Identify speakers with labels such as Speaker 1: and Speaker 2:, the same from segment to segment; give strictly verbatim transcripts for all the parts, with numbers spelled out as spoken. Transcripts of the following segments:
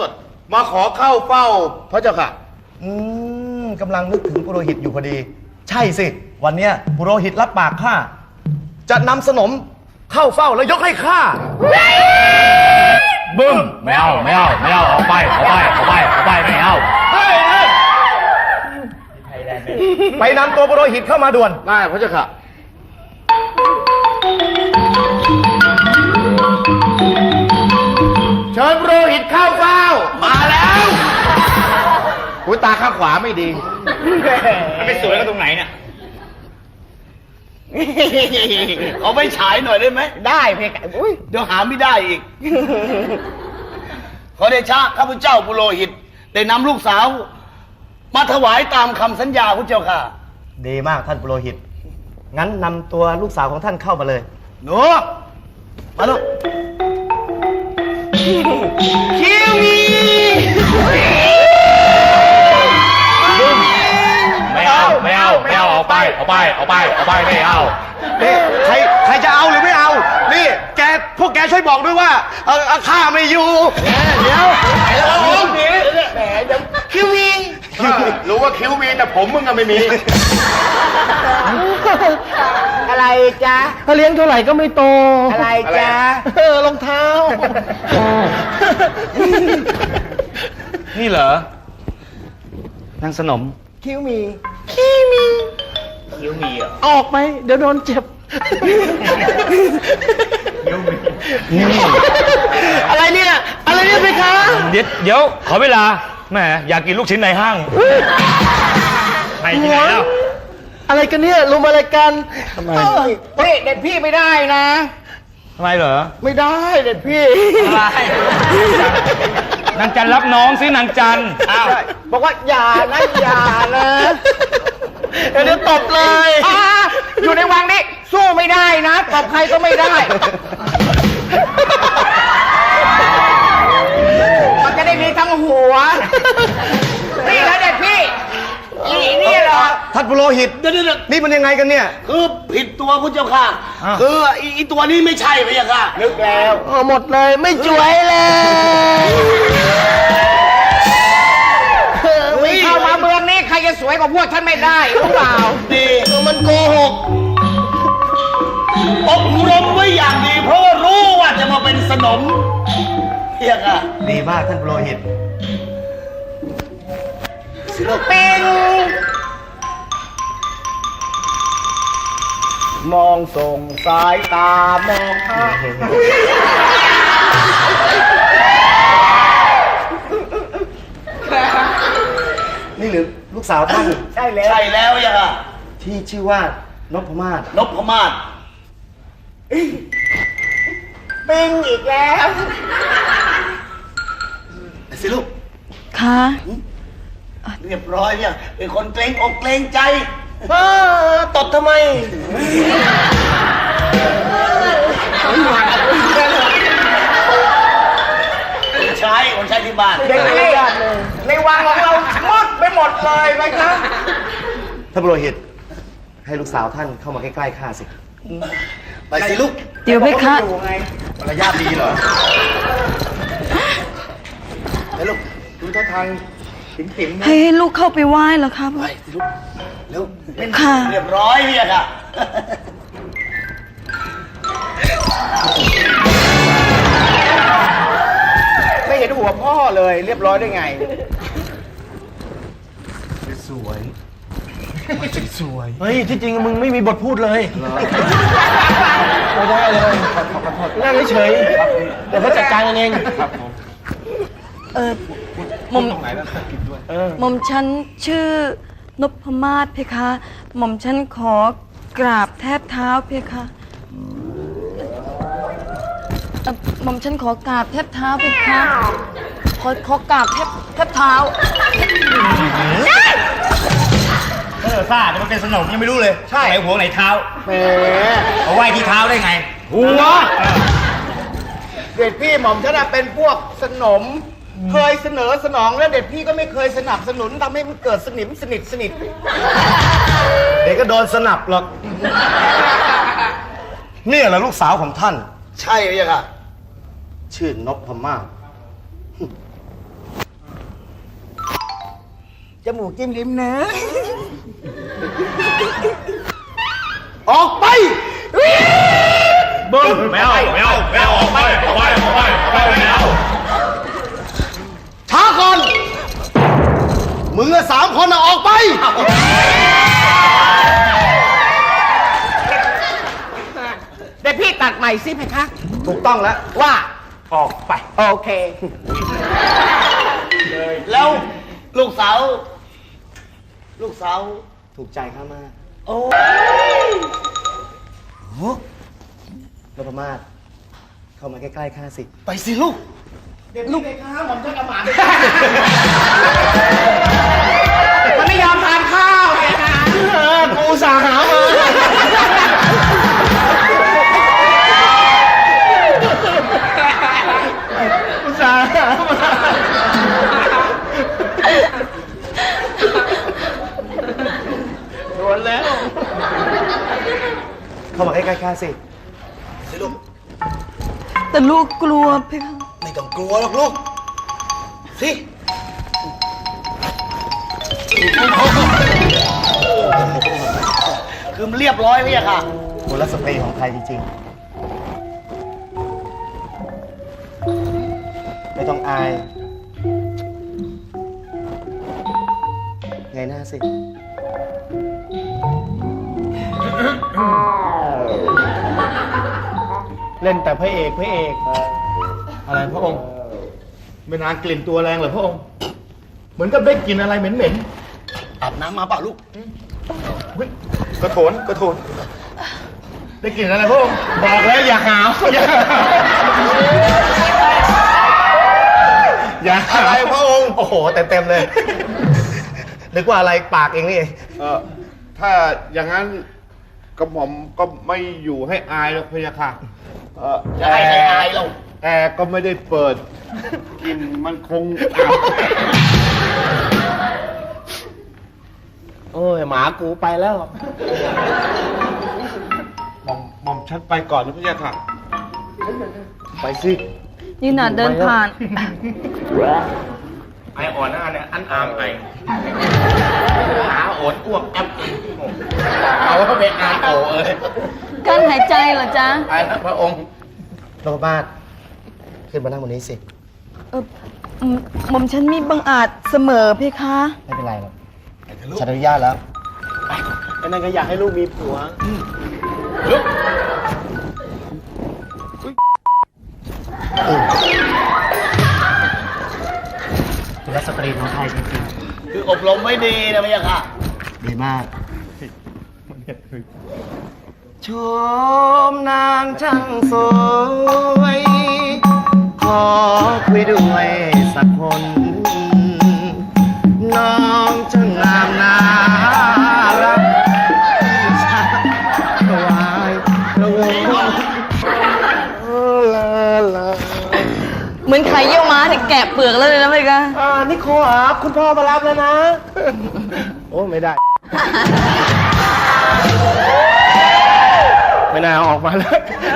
Speaker 1: สดมาขอเข้าเฝ้าพระเจ้าค่ะ
Speaker 2: อืมกำลังนึกถึงปุโรหิตอยู่พอดี ใช่สิวันเนี้ยปุโรหิตรับปากข้าจะนำสนมเข้าเฝ้าแล้วยกให้ข้า
Speaker 3: บึ้มไม่เอาไม่เอาไม่เอาเอาไปเอาไปเอาไปเอาไปไม่เอา
Speaker 2: ไปนำตัวปุโรหิตเข้ามาด่วน
Speaker 1: ได้พระเจ้าค่ะเชิญปุโรหิตเข้าเฝ้ามาแล้วหูตาข้างขวาไม่ดี
Speaker 3: มันไปสวยกันตรงไหนเนี่ย
Speaker 1: เอาไปฉายหน่อยได้ไหม
Speaker 4: ได้เพคะอุ้ย
Speaker 1: เดี๋ยวหาไม่ได้อีกขอเดชะข้าพเจ้าปุโรหิตได้นำลูกสาวมาถวายตามคำสัญญาพระเจ้าค่ะ
Speaker 2: ดีมากท่านปุโรหิตงั้นนำตัวลูกสาวของท่านเข้ามาเลย
Speaker 1: หนูมาลูกคิวมี
Speaker 3: ไม่เอาไม่เอาไม่เอาเอาไปเอาไปเอาไปเอาไปไม่เอา
Speaker 2: นี่ใครใครจะเอาหรือไม่เอานี่แกพวกแกช่วยบอกด้วยว่าเออข้าไม่อยู่
Speaker 1: เดี๋ยวไอ้ละผมแหมเดี๋ยวคิวมีรู้ว่าคิวมีแต่ผมมึงอะไม่มี
Speaker 4: อะไรจ๊ะ
Speaker 2: เขาเลี้ยงเท่าไหร่ก็ไม่โต
Speaker 4: อะไรจ๊ะ
Speaker 2: เออรองเท้า
Speaker 3: นี่เหรอนางสนม
Speaker 4: คิ้วมี
Speaker 3: คิ้วมีคิ้วมีอ่ะ
Speaker 2: ออกไปเดี๋ยวโดนเจ็บ
Speaker 3: คิ้วมี
Speaker 2: อะไรเนี่ยอะไรเนี่ยไปคะ
Speaker 3: เดี๋ยวเดี๋ยวขอเวลาแหมอยากกินลูกชิ้นในห้างไปที่ไหนแล้ว
Speaker 2: อะไรกันเนี่ยลุมอะไรกัน
Speaker 4: ทำไมเฮ้ยเด็ดพี่ไม่ได้นะ
Speaker 3: ทำไมเหรอ
Speaker 4: ไม่ได้เด็ดพี่
Speaker 3: อะไรนางจันรับน้องสินางจัน
Speaker 4: อ้าวบอกว่าอย่านะอย่านะ
Speaker 2: เดี๋ยวตบเลย
Speaker 4: อยู่ในวังนี้สู้ไม่ได้นะตบใครก็ไม่ได้มันจะได้มีทั้งหัวนี่แล้วเด็ดพี่อีนี่เหรอ
Speaker 2: ท่านปุโรหิตนี่มันยังไงกันเนี่ย
Speaker 1: คือผิดตัวพุทธเจ้าค่ะคืออีตัวนี้ไม่ใช่พระเจ้าค่ะ
Speaker 4: นึกแล้ว
Speaker 2: หมดเลยไม่จ่วยเลย
Speaker 4: ไม่เข้ามาเมืองนี้ใครจะสวยกว่าพวกท่านไม่ได้รู้เปล่า
Speaker 1: ดีมันโกหกอบรมไว้อย่างดีเพราะว่ารู้ว่าจะมาเป็นสนมเพียงอ่ะ
Speaker 2: ดีมากท่านปุโรหิต
Speaker 4: ศิลปินมองส่งสายตามองหา
Speaker 2: นี่หรือลูกสาวท่าน
Speaker 4: ใช่แล้ว
Speaker 1: ใช่แล้วยังอ่ะ
Speaker 2: ที่ชื่อว่านพมาศ
Speaker 1: นพมาศ
Speaker 4: ปิงอีกแล้ว
Speaker 1: สิลูก
Speaker 5: ค่ะ
Speaker 1: เรียบร้อยเนี่ยเป็นคนเกรงอกเกรงใจ
Speaker 2: เออตดทำไม
Speaker 1: ใช้คนใช้ที่บ้าน
Speaker 4: เด็กในในวังของเราหมดไปหมดเลยไหมครับ
Speaker 2: ท่านปุโรหิตให้ลูกสาวท่านเข้ามาใกล้ๆข้าสิ
Speaker 1: ไปสิลูก
Speaker 5: เดี๋ยวไปค่ะ
Speaker 2: มารยาทดีเหรอ
Speaker 1: ไปลูกดูท่าทางติ๋มๆนะ
Speaker 5: ให้ลูกเข้าไปไหว้เหรอครับ
Speaker 1: ไปสิลูกเร็ว
Speaker 5: ค่ะ
Speaker 1: เรียบร้อยเนี่ยค่ะ
Speaker 4: ไม่เห็นหัวพ่อเลยเรียบร้อยได้ไง
Speaker 2: สวยสวยเฮ้ยที่จริงมึงไม่มีบทพูดเลยไม่ได้เลยนั่งเฉยเดี๋ยวเขาจัดการกันเอง
Speaker 5: เออหม่อมหม่อมฉันชื่อนพมาศเพคะหม่อมฉันขอกราบแทบเท้าเพคะหม่อมฉันขอกราบแทบเท้าเพคะขอขอกราบแทบแทบเท้า
Speaker 3: เออซ่าจะมาเป็นสนมยังไม่รู้เลย
Speaker 4: ใช่
Speaker 3: ไหนหัวไหนเท้า
Speaker 4: แหม
Speaker 3: เอาไหว้ที่เท้าได้ไง
Speaker 4: หัวเด็ดพี่หม่อมฉันเป็นพวกสนมเคยเสนอสนองแล้วเด็ดพี่ก็ไม่เคยสนับสนุนทำให้มันเกิดสนิมสนิทสนิท
Speaker 2: เด็กก็โดนสนับหรอกนี่แหละลูกสาวของท่าน
Speaker 1: ใช่ไหมค่ะ
Speaker 2: ชื่อนพมาศ
Speaker 4: จมูกจิ้มลิ้มนะ ออกไป
Speaker 3: บึ้มแมวแมวแมวออกไปออกไปออกไปออกไปแมว
Speaker 4: ช้าก่อน มึงอะสามคนอะออกไป
Speaker 2: เดี๋ยวพี่ตัดใหม่สิเพคะ
Speaker 4: ถูกต้องแล้ว
Speaker 2: ว่า
Speaker 3: ออกไป
Speaker 2: โอเค
Speaker 4: แล้วลูกสาว ลูกสาวถูกใจข้ามาก
Speaker 2: โอ้
Speaker 4: โอ้นพมาศเข้ามาใกล้ๆข้าสิ ไปสิลูก เด็กลูกข้าผมจะกระหม่อม
Speaker 2: มันไม่ยอมทานข้าวเพคะ
Speaker 4: เออกูสาหามา
Speaker 2: อุตส่าห์มา โดนแล้ว
Speaker 4: เข้ามาใกล้ๆข้าสิ สิลูก
Speaker 5: แต่ลูกกลัวเพคะ
Speaker 4: ไม่ต้องกลัวหรอกลูก สิ คือมันเรียบร้อยพี่อะค่ะกุลสตรีของไทยจริงๆ ไม่ต้องอาย ไงหน้าสิ
Speaker 2: เล่นแต่พระเอกพระเอก อะไรพระองค์ ไม่นานกลิ่นตัวแรงเหรอพระองค์ เหมือนกับได้กลิ่นอะไรเหม็น
Speaker 4: อาบน้ำมาเปล่าลูก
Speaker 2: ๆเฮ้ยกระโถนกระโถนได้กลิ่นอะไรพระองค์ บอกแล้วอย่าหาวอย่าอย่าหาว
Speaker 4: อะไรพระองค์ โอ้โห เต็มๆเลย นึกว่าอะไรปากเองนี่เอง
Speaker 1: เออถ้าอย่างนั้นกระหม่อมก็ไม่อยู่ให้อายหรอกพะยะค่ะเออ
Speaker 4: จะให้ใครอายเรา
Speaker 1: แอร์ก็ไม่ได้เปิดกลินมันคงอับ
Speaker 2: โอ้ยหมากูไปแล้ว
Speaker 1: หม่อมหม่อมฉันไปก่อนนะพะยะค่ะ
Speaker 4: ไปสิ
Speaker 5: นี่น่ะเดินผ่าน
Speaker 3: ไออ่อนหน้าเนี่ยอันอามไอ
Speaker 1: หาโอดอ้วกแอปเอาเข้าไปอ่านโอเอ้ย
Speaker 5: กั้นหายใจเหรอจ๊ะ
Speaker 1: ไปนะพระองค์
Speaker 4: นพมาศขึ้นมานั่งบนนี้สิ
Speaker 5: เอออืมหม่อมฉันมีบังอาจเสมอเพคะ
Speaker 4: ไม่เป็นไรหรอกฉันอนุญาตแล้ว
Speaker 2: ไอ้นั่นก็อยากให้ลูกมีผัว
Speaker 4: กุลสตรีของไทยจริง
Speaker 2: คืออบรมไว้ดีนะพี่ค่ะ
Speaker 4: ๆ ดีมาก ชมนางช่างสวย ขอคุยด้วยสักคน น้องช่างงามน่ารักถวายพระวงศ์ลาลา
Speaker 5: เหมือนไข่เยี่ยวม้าที่แกะเปลือกแล้วเลยนะเพคะ
Speaker 2: อ่านิโคครับคุณพ่อมารับแล้วนะ โอ้ ไม่ได้ ไม่น่าเอาออกมาเลย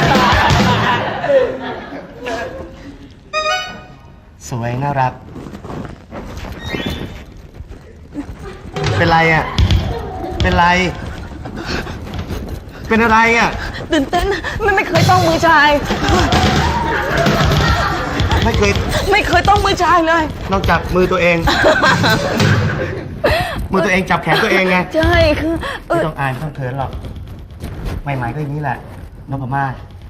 Speaker 4: สวยน่ารัก เป็นไรอ่ะ เป็นไร เป็นอะไรอ่ะ
Speaker 5: ตื่นเต้นไม่ไม่เคยต้องมือชาย
Speaker 4: ไม่เคย
Speaker 5: ไม่เคยต้องมือชายเลย
Speaker 4: นอกจากมือตัวเอง มือตัวเองจับแขนตัวเองไง
Speaker 5: ใช่คือเอ
Speaker 4: ไม่
Speaker 5: อ
Speaker 4: ต้องอายไม่ต้องเขินหรอก ใหม่ๆก็อย่างนี้แหละนพมาศ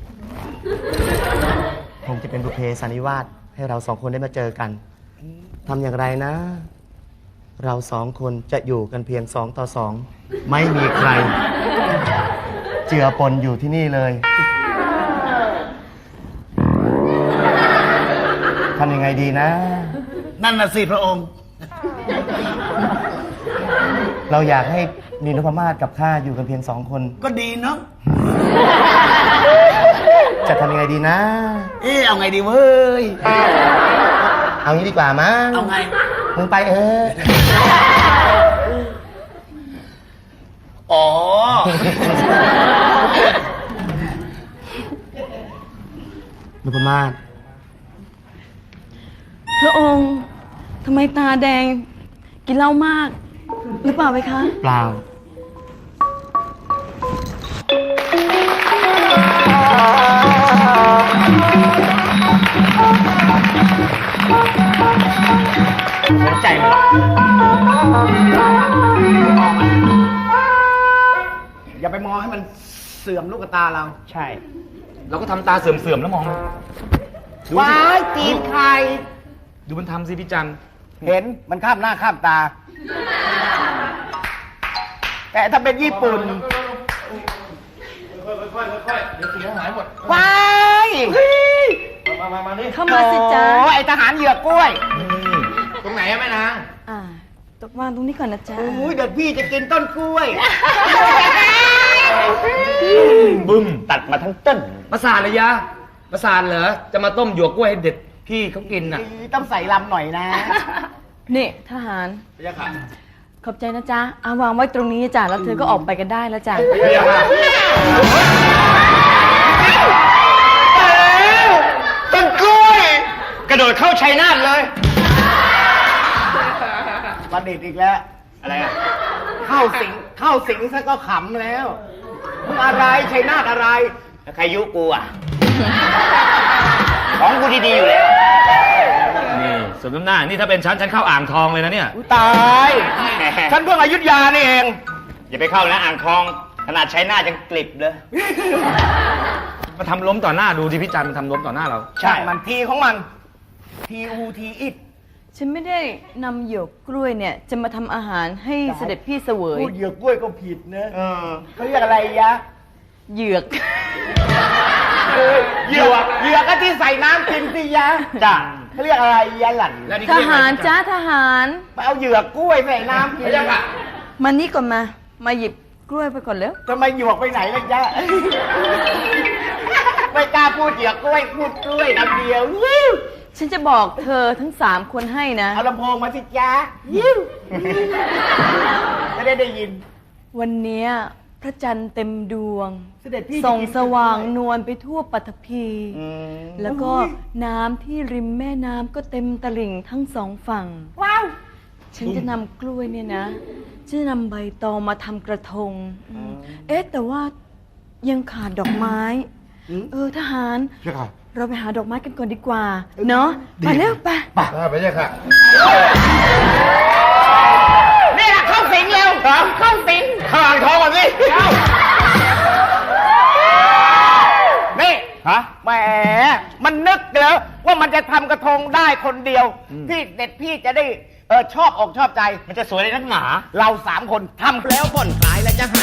Speaker 4: คงจะเป็นบุพเพสันนิวาสให้เราสองคนได้มาเจอกันทำอย่างไรนะ เราสองคนจะอยู่กันเพียงสองต่อสองไม่มีใคร เจือปนอยู่ที่นี่เลยทำยังไงดีนะ
Speaker 2: นั่นน่ะสิพระองค์
Speaker 4: เราอยากให้มีนพมาศกับข้าอยู่กันเพียงสองคน
Speaker 2: ก็ดีเนาะ
Speaker 4: จะทำยังไงดีนะ
Speaker 2: เอ๊ะเอาไงดีเว้ย
Speaker 4: เอางี้ดีกว่ามั้ง
Speaker 2: เอาไง
Speaker 4: มึงไปเออ
Speaker 2: อ๋อ
Speaker 4: นพมาศ
Speaker 5: พระองค์ทำไมตาแดงกินเหล้ามาก หรือเปล่าเพคะ
Speaker 4: เปล่า
Speaker 2: สนใจมันหรอกอย่าไปมองให้มันเสื่อมลูกตาเรา ใช่
Speaker 3: เราก็ทำตาเสื่อมๆแล้วมองมันดูสิ
Speaker 2: ว้ายตีนใคร
Speaker 3: ดูมันทำสิพี่จัน
Speaker 2: เห็นมันข้ามหน้าข้ามตา แต่ถ้าเป็นญี่ปุ่นว้าย
Speaker 5: เข้ามาสิจ๊ะ
Speaker 2: โอ้ไอทหารเหยือกกล้วย
Speaker 1: ตรงไหนอะแม่นาง
Speaker 5: อ่าตกวางตรงนี้ก่อนนะจ๊ะ
Speaker 2: โอ้ยเดี๋ยวพี่จะกินต้นกล้วย
Speaker 3: บึ้ม
Speaker 2: ตัดมาทั้งต้น
Speaker 3: ประสาทเลยยะประสาทเหรอ จะมาต้มหยวกกล้วยให้เด็ดพี่เขากินน่ะ
Speaker 2: ต้องใส่ลำหน่อยนะ
Speaker 5: นี่ทหาร ขอบใจนะจ๊ะอาวางไว้ตรงนี้จ้ะ แล้วเธอก็ออกไปกันได้แล้วจ้ะ
Speaker 1: ต้นกล้วย กระโดดเข้าชัยนาทเลย
Speaker 2: ประดิษฐ์อีกแล้ว
Speaker 1: อะไรอะ
Speaker 2: เข้าสิง เข้าสิงซะก็ขำแล้วมึงอะไรชัยนาทอะไร
Speaker 1: แล้วใครยุกูอ่ะ ของกูดีๆอยู่แล้ว
Speaker 3: นี่สมน้ำหน้า นี่ถ้าเป็นฉัน ฉันเข้าอ่างทองเลยนะเนี่ย
Speaker 2: ตาย ฉันเพิ่งอยุธยานี่เอง
Speaker 1: อย่าไปเข้านะอ่างทอง ขนาดชัยนาทยังกลิบเลย
Speaker 3: มาทำล้มต่อหน้าดูที่พี่จันมันทำล้มต่อหน้าเรา
Speaker 2: ใช่มันทีของมัน ทีอูทีอิด
Speaker 5: ฉันไม่ได้นำหยวกกล้วยเนี่ย จะมาทำอาหารให้เสด็จพี่เสวย
Speaker 2: พูดเหยือกกล้วยก็ผิดนะเขาเรียกอะไรยะ
Speaker 5: เหยือก
Speaker 2: เหยือกเหยือกก็ที่ใส่น้ำกินสิยะจ้ะเขาเรียกอะไรยะหลั่น
Speaker 1: แล้วนี่
Speaker 5: ทหารจ้าทหาร
Speaker 2: ไปเอาเหยือกกล้วยใส่น้ำกิน
Speaker 1: ไม่ใช่ค่ะ
Speaker 5: มานี่ก่อนมา มาหยิบกล้วยไปก่อนเร็ว
Speaker 2: ทำไมหยวกไปไหนล่ะจ๊ะ ไม่กล้าพูดเหยือกกล้วยพูดกล้วยคำเดียวยิ้ว
Speaker 5: ฉันจะบอกเธอทั้งสามคนให้นะ
Speaker 2: เอาลำโพงมาสิจ๊ะยิ้วไม่ได้ได้ยิน
Speaker 5: วันเนี้ยพระจันทร์เต็มดวง
Speaker 2: เสด็จพี่
Speaker 5: ส่อง
Speaker 2: จะกิน
Speaker 5: สว่างนวลไปทั่วปฐพี
Speaker 2: อืม
Speaker 5: แล้วก็น้ำที่ริมแม่น้ำก็เต็มตลิ่งทั้งสองฝั่ง
Speaker 2: ว้าว
Speaker 5: ฉันจะนำกล้วยเนี่ยนะฉันจะนำใบตองมาทำกระทงอืมเอ๊ะ แต่ว่ายังขาดดอกไม้ เออทหาร เราไปหาดอกไม้กันก่อนดีกว่า เนาะไปเร็วไป
Speaker 1: ไม่ใช่ค่ะ
Speaker 2: นี่แหละเข้าสิงเร็วเข้าสิง
Speaker 1: ข้าอ่างทองก่อนสิ
Speaker 2: นี่
Speaker 1: ฮะ
Speaker 2: แหมมันนึกแล้วว่ามันจะทำกระทงได้คนเดียว พี่เด็ดพี่จะได้เออชอบอกชอบใจ
Speaker 1: มันจะสวยในนักหนา
Speaker 2: เราสามคนทำแล้วผ่อนคลายและจะห